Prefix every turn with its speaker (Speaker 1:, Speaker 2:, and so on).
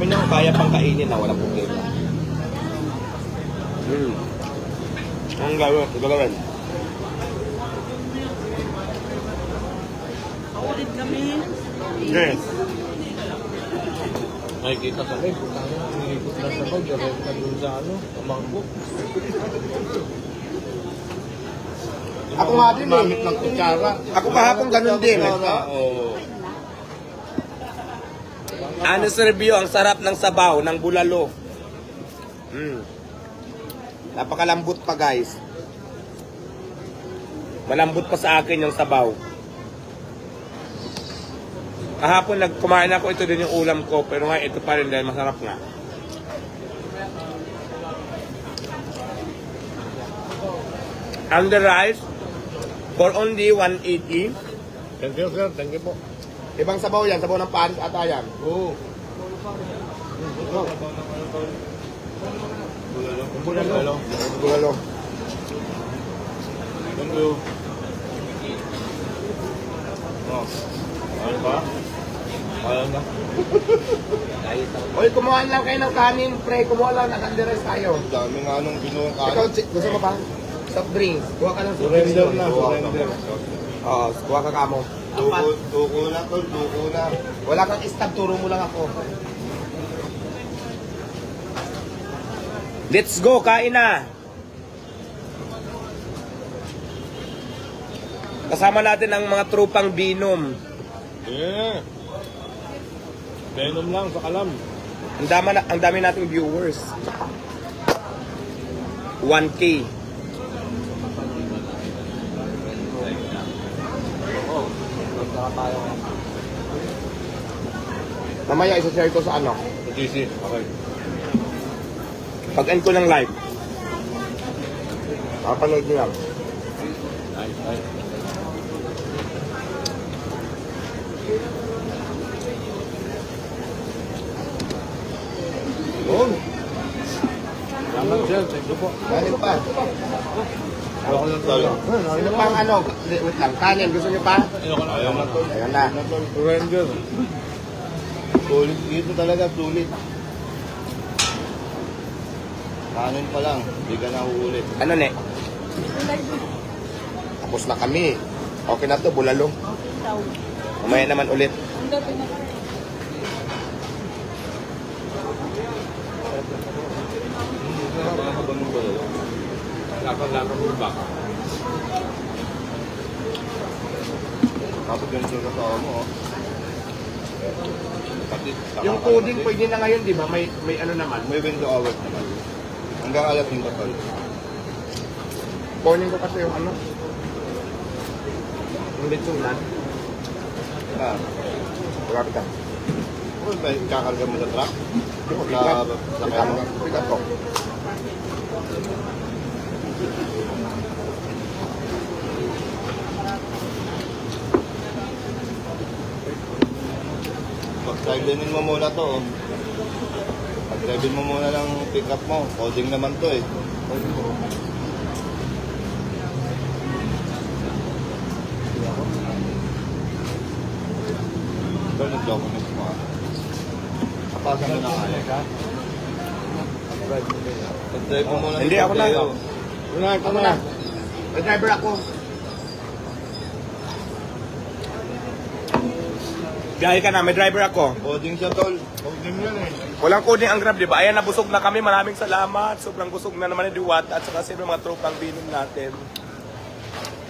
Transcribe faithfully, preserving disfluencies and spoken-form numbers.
Speaker 1: Sabi niya kung kaya pang kainin na, walang problema. Hmm. Ang gawin, gagawin.
Speaker 2: Ulit kami.
Speaker 1: Yes.
Speaker 3: Nakikita kami, putang na, iniikot na sa bag, direct na dun sa ano, kamangko.
Speaker 1: Ako nga din eh.
Speaker 3: Gumamit ng kutsara.
Speaker 1: Ako kahapon ganun din.
Speaker 3: Kutsara.
Speaker 1: Oo. Honest review, ang sarap ng sabaw, ng bulalo. Mm. Napakalambot pa guys. Malambot pa sa akin yung sabaw. Kahapon nagkumain ako, ito din yung ulam ko, pero nga ito pa rin dahil masarap nga. And the rice, for only one eighty.
Speaker 3: Thank you, sir. Thank you po.
Speaker 1: Ibang sabaw yan, sabaw ng panis ata yan.
Speaker 3: Oo. Bulalo. Bulalo.
Speaker 1: Bulalo.
Speaker 3: Thank you. Oh. Ayun ba? Ayun na.
Speaker 1: Oy, kumuha lang kayo ng kanin, pre. Kumuha lang, nag-underize tayo.
Speaker 3: Dami nga nung binuong
Speaker 1: Ikaw,
Speaker 3: kanin.
Speaker 1: Chick, gusto mo pa? Soft drinks. Kuha ka ng soft drinks.
Speaker 3: Surrender na,
Speaker 1: Kuha ka.
Speaker 3: surrender.
Speaker 1: Oo, kuha ka kamo.
Speaker 3: Tuko, tuko na to, tuko na.
Speaker 1: Wala kang stab, turo mo lang ako. Let's go, kain na! Kasama natin ang mga trupang binom.
Speaker 3: Yeah. Venom lang sa kalam.
Speaker 1: Ang dami, na, ang dami nating viewers. one K. Mamaya isa-share ko sa ano.
Speaker 3: G C. Okay.
Speaker 1: Pag-end ko ng live. Papanood nyo lang.
Speaker 3: Nice, nice.
Speaker 1: Oh,
Speaker 3: Salamat, sir. Thank you po.
Speaker 1: kanin pa.
Speaker 3: Ako lang tayo.
Speaker 1: Sino pang ano? Wait lang, kanin. Gusto nyo pa?
Speaker 3: Ayoko na. Ayoko na.
Speaker 1: Ayan na.
Speaker 3: Surrender. Sulit dito talaga, sulit. Kanin pa lang, hindi ka na uulit.
Speaker 1: Ano ne? Tapos na kami. Okay na to, bulalo. Mamaya naman ulit.
Speaker 3: Lakang-lakang mo ba? Tapos ganito yung kasama mo, oh. Pati,
Speaker 1: Yung coding pwede na ngayon, di ba? May may ano naman.
Speaker 3: May window hours naman. Hanggang alas yung kapal.
Speaker 1: Kunin ko kasi yung ano. Yung litsunan.
Speaker 3: Ah,
Speaker 1: Grabe ka.
Speaker 3: kung may kakarga mo sa truck?
Speaker 1: Pick up.
Speaker 3: Sa-
Speaker 1: Pick
Speaker 3: sa
Speaker 1: up.
Speaker 3: kanya?
Speaker 1: Pick up ko.
Speaker 3: Pag-drive-in mo muna to, oh. Pag-drive-in mo muna lang pick up mo. Coding naman to, eh. Ito, nag-document mo, ah. Kapasan mo na kaya. Pag-drive mo muna.
Speaker 1: Hindi, ako na.
Speaker 3: Una, ito
Speaker 1: Ako
Speaker 3: na.
Speaker 1: na. May driver ako. Biyahe ka na, may driver ako.
Speaker 3: Coding siya, tol. Coding yan, eh.
Speaker 1: Walang coding ang Grab, di ba? Ayan, nabusog na kami. Maraming salamat. Sobrang busog na naman ni Diwata at saka sino mga tropang binom natin.